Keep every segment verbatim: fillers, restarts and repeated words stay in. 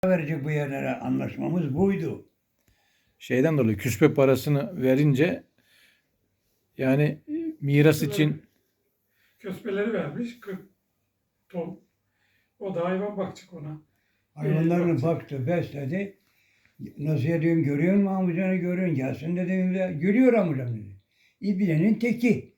verecek bu yerlere, anlaşmamız buydu. Şeyden dolayı küspe parasını verince yani e, miras için Köspeleri vermiş kırk ton. O da hayvan bakacak ona. Hayvanlarını bakacak. baktı, besledi. Nasıl diyorum, görüyor musun amcanı, görüyorsun, gelsin dedim de, görüyor amcam dedi. İbnenin teki.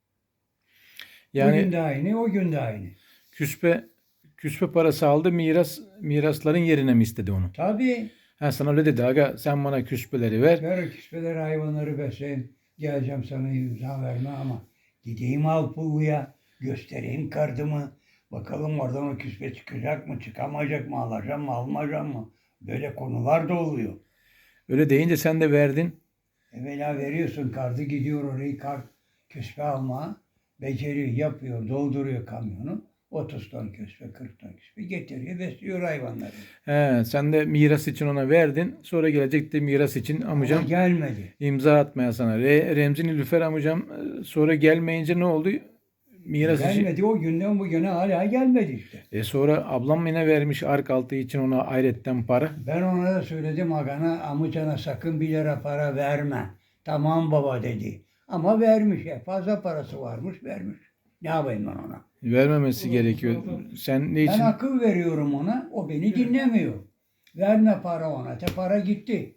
yani Bugün de aynı, o gün de aynı. küspe küspe parası aldı, miras mirasların yerine mi istedi onu? Tabii. Ha, sana öyle dedi, aga sen bana küspeleri ver. Ver küspeleri, hayvanları besleyin. Geleceğim sana, imza verme ama gideyim Alpulu'ya, göstereyim kardımı. Bakalım oradan o küspe çıkacak mı, çıkamayacak mı, alacağım mı, almayacağım mı? Böyle konular da oluyor. Öyle deyince sen de verdin. Evvela veriyorsun kartı, gidiyor orayı kart küspe almaya. Beceriyor, yapıyor, dolduruyor kamyonu. otuz ton küspe, kırk ton küspe getiriyor, besliyor hayvanları. He, sen de miras için ona verdin. Sonra gelecekti miras için amcam Ama gelmedi. imza atmaya sana. Re, Remzi Nilüfer amcam e, sonra gelmeyince ne oldu? Miras için. Gelmedi, o günden bugüne hala gelmedi işte. E sonra ablam yine vermiş ark altı için ona ayretten para. Ben ona da söyledim, agana, amcana sakın bir lira para verme. Tamam baba dedi. Ama vermiş, ya fazla parası varmış, vermiş. Ne yapayım ben ona? Vermemesi Olur, gerekiyor. olur. Sen ne Ben için? akıl veriyorum ona, o beni dinlemiyor. Verme para ona, te para gitti.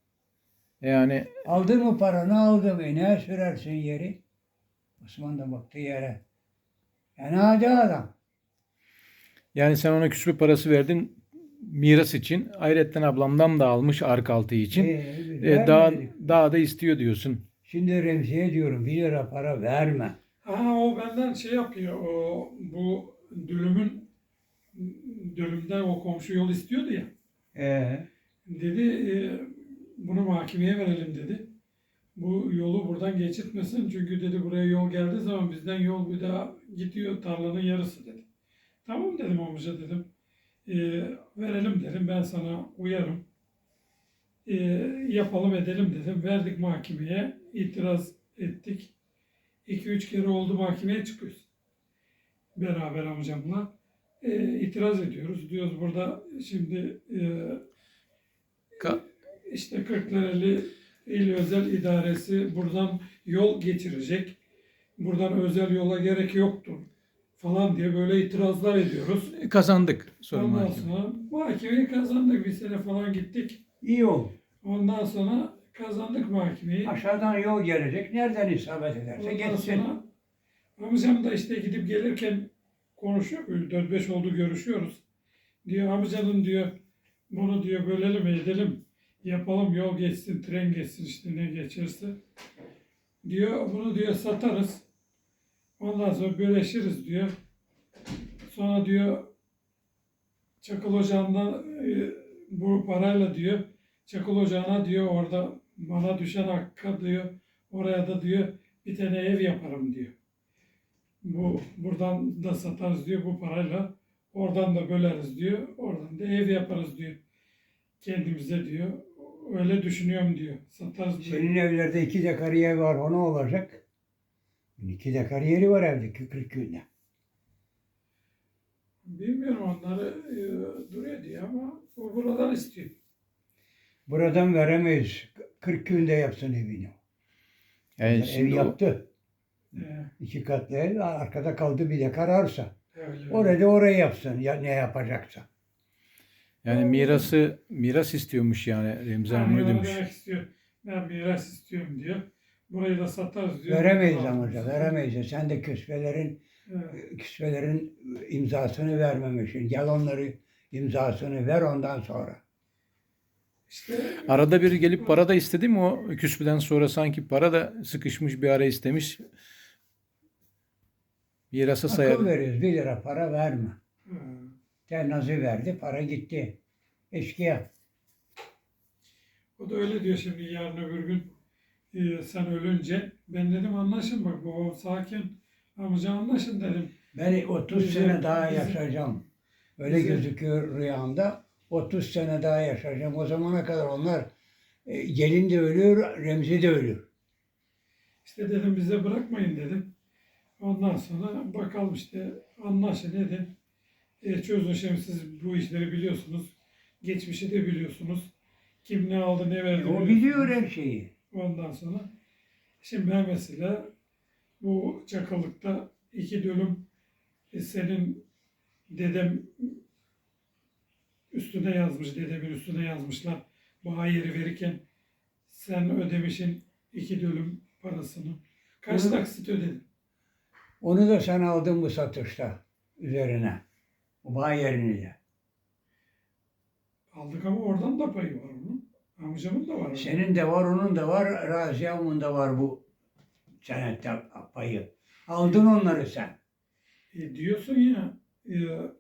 Yani Aldın mı paranı, aldım. E ne sürersin yeri? Osman da baktı yere. Yani hadi adam. yani sen ona küspe parası verdin miras için. Ayretten ablamdan da almış ark altı için. Ee, E, daha vermedik. daha da istiyor diyorsun. Şimdi Remzi'ye diyorum, bir lira para verme. Ha, o benden şey yapıyor. O bu dülümün dölümden o komşu yol istiyordu ya. Ee, Dedi e, bunu mahkemeye verelim dedi. Bu yolu buradan geçirtmesin çünkü dedi buraya yol geldiği zaman bizden yol bir daha gidiyor tarlanın yarısı dedi. Tamam dedim amca dedim. E, verelim dedim, ben sana uyarım. E, yapalım edelim dedim. Verdik mahkemeye, itiraz ettik. iki üç kere oldu mahkemeye çıkıyoruz. Beraber amcamla. E, itiraz ediyoruz. Diyoruz burada şimdi e, Ka- işte Kırklareli İl Özel İdaresi buradan yol geçirecek. Buradan özel yola gerek yoktur falan diye böyle itirazlar ediyoruz. Kazandık sonra Ondan mahkeme. sonra mahkemeyi kazandık. Bir sene falan gittik. iyi ol. Ondan sonra kazandık mahkemeyi. Aşağıdan yol gelecek. Nereden isabet ederse Ondan geçsin. sonra amcam da işte gidip gelirken konuşuyor. dört beş oldu görüşüyoruz. Diyor amcanın diyor bunu diyor bölelim edelim. Yapalım yol geçsin, tren geçsin işte ne geçerse. Diyor bunu diyor satarız. Ondan sonra böleşiriz diyor. Sonra diyor Çakıl Ocağı'ndan e, bu parayla diyor Çakıl Ocağı'na diyor orada bana düşen hakka diyor oraya da diyor bir tane ev yaparım diyor. Bu buradan da satarız diyor bu parayla. Oradan da böleriz diyor. Oradan da ev yaparız diyor. Kendimize diyor. Öyle düşünüyorum diyor. Satarız diyor. Senin evlerde iki dekar yer var. O ne olacak? İki dekar yeri var evde kırk günde. Bilmiyorum onları e, duruyor diye ama o buradan istiyor. Buradan veremeyiz. kırk günde yapsın evini. Yani Ev şimdi o- yaptı. E, İki katlı ev. Arkada kaldı bir dekar arsa. öyle. Orada orayı yapsın. Ya, ne yapacaksa. yani mirası miras istiyormuş yani Remzi Hanım Yani öyle onu demiş. demek istiyor. Ben miras istiyorum diyor. Burayı da satarız diyor. Veremeyiz Buradan amca. alırız. Veremeyiz. Sen de küspelerin Evet. küspelerin imzasını vermemişsin. Gel onları imzasını ver ondan sonra. İşte Arada bir gelip para da istedi mi o küsbeden sonra sanki para da sıkışmış bir ara istemiş. Mirasa Akıl sayar. veriyoruz. Bir lira para verme. e, Ternazı verdi. Para gitti. Eşkıya. o da öyle diyor şimdi yarın öbür gün e, sen ölünce. Ben dedim anlaşın bak babam sakin. Amca anlaşın dedim. Ben otuz Bizim- sene daha bizim- yaşayacağım. Öyle bizim- gözüküyor rüyamda. otuz sene daha yaşayacağım. O zamana kadar onlar e, gelin de ölüyor, Remzi de ölüyor. İşte dedim bize bırakmayın dedim. Ondan sonra bakalım işte anlaşın edin. E, çözün şimdi siz bu işleri biliyorsunuz. geçmişi de biliyorsunuz. Kim ne aldı ne verdi O biliyorsunuz. biliyor her şeyi. Ondan sonra şimdi ben mesela bu Çakılık'ta iki dönüm e, senin dedem üstüne yazmış, dedemin üstüne yazmışlar. Bu yeri verirken sen ödemişin iki dönüm parasını. Kaç Onu- taksit ödedin? Onu da sen aldın bu satışta üzerine. O bağ yerini de. Aldık ama oradan da payı var onun. Amcamın da var. Senin de var, onun da var, Raziyam'ın da var bu senette payı. Aldın onları sen. E, diyorsun ya e,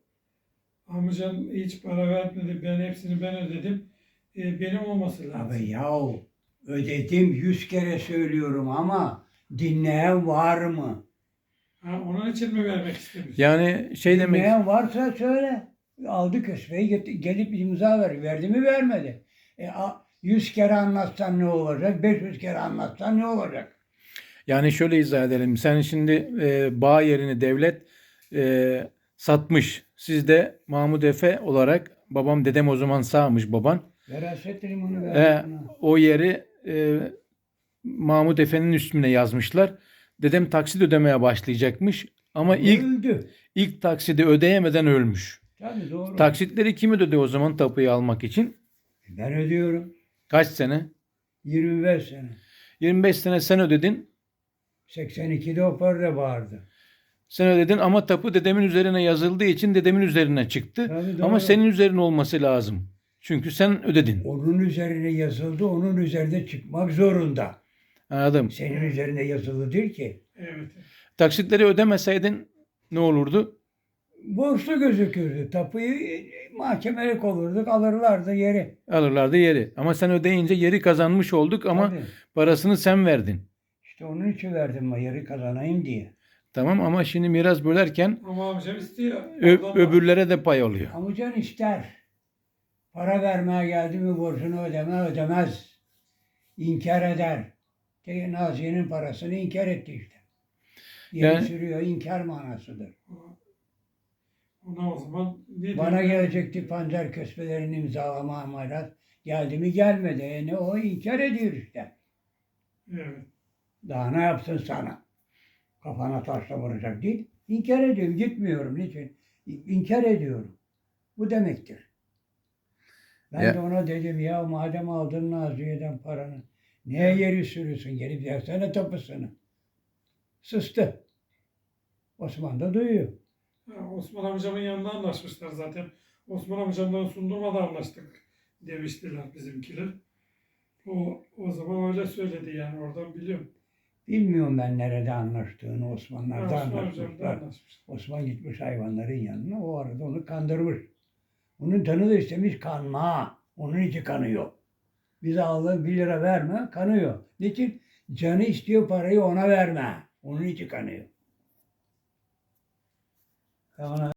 amcan hiç para vermedi, ben hepsini ben ödedim. E, benim olması lazım. Abi yahu ödedim yüz kere söylüyorum ama dinleyen var mı? Ha, onun için mi vermek istemiyorsun? Yani şey demek, Dinleyen varsa söyle. Aldı köspeyi get- gelip imza ver. Verdi mi vermedi. E, a- yüz kere anlatsan ne olacak? beş yüz kere anlatsan ne olacak? yani şöyle izah edelim. Sen şimdi e, bağ yerini devlet e, satmış. Siz de Mahmud Efe olarak, babam dedem o zaman sağmış baban. Veraset limonu E, verdi buna. o yeri e, Mahmud Efe'nin üstüne yazmışlar. Dedem taksit ödemeye başlayacakmış. Ama ilk Öldü. ilk taksidi ödeyemeden ölmüş. Tabii doğru. Taksitleri kim ödedi o zaman tapuyu almak için? Ben ödüyorum. Kaç sene? yirmi beş sene. yirmi beş sene sen ödedin. seksen ikide o para vardı. Sen ödedin ama tapu dedemin üzerine yazıldığı için dedemin üzerine çıktı. Tabii doğru. Ama senin üzerine olması lazım. Çünkü sen ödedin. Onun üzerine yazıldı, onun üzerinde çıkmak zorunda. Anladım. Senin üzerinde yazılı değil ki. Evet. Taksitleri ödemeseydin ne olurdu? Borçlu gözükürdü. Tapuyu e, mahkemelik olurduk, alırlardı yeri. Alırlardı yeri. Ama sen ödeyince yeri kazanmış olduk ama Tabii. parasını sen verdin. İşte onun için verdim ben yeri kazanayım diye. Tamam ama şimdi miras bölerken Ama amcam istiyor. ö- Ondan da- öbürlere de pay oluyor. Amcan ister. Para vermeye geldi mi borcunu ödeme ödemez. İnkar eder. Te- Nazi'nin parasını inkar etti işte. Yeri Yani- sürüyor, inkar manasıdır. Ona o zaman ne Bana diyor? gelecekti panzer kösbelerini imzalama amarat. Geldi mi gelmedi. E ne o inkar ediyor işte. Evet. Daha ne yapsın sana? Kafana taşla vuracak değil. İnkar ediyorum. Gitmiyorum. Niçin? İnkar ediyorum. Bu demektir. Ben Ya- de ona dedim ya madem aldın Naziye'den paranı niye yeri sürüyorsun? Gelip versene tapusunu. Sustu. Osman da duyuyor. Ha, Osman amcamın yanında anlaşmışlar zaten. Osman amcamdan sundurmadan anlaştık demiştiler bizimkiler. O, o zaman öyle söyledi yani oradan biliyorum. Bilmiyorum ben nerede anlaştığını Ha, Osmanlar'da Osman amcam da anlaşmışlar. anlaşmış. Osman gitmiş hayvanların yanına. O arada onu kandırmış. Onun canı da istemiş kanma. Onun için kanıyor. Bize aldığın bir lira verme kanıyor. Niçin? Canı istiyor parayı ona verme. Onun için kanıyor. Ben ona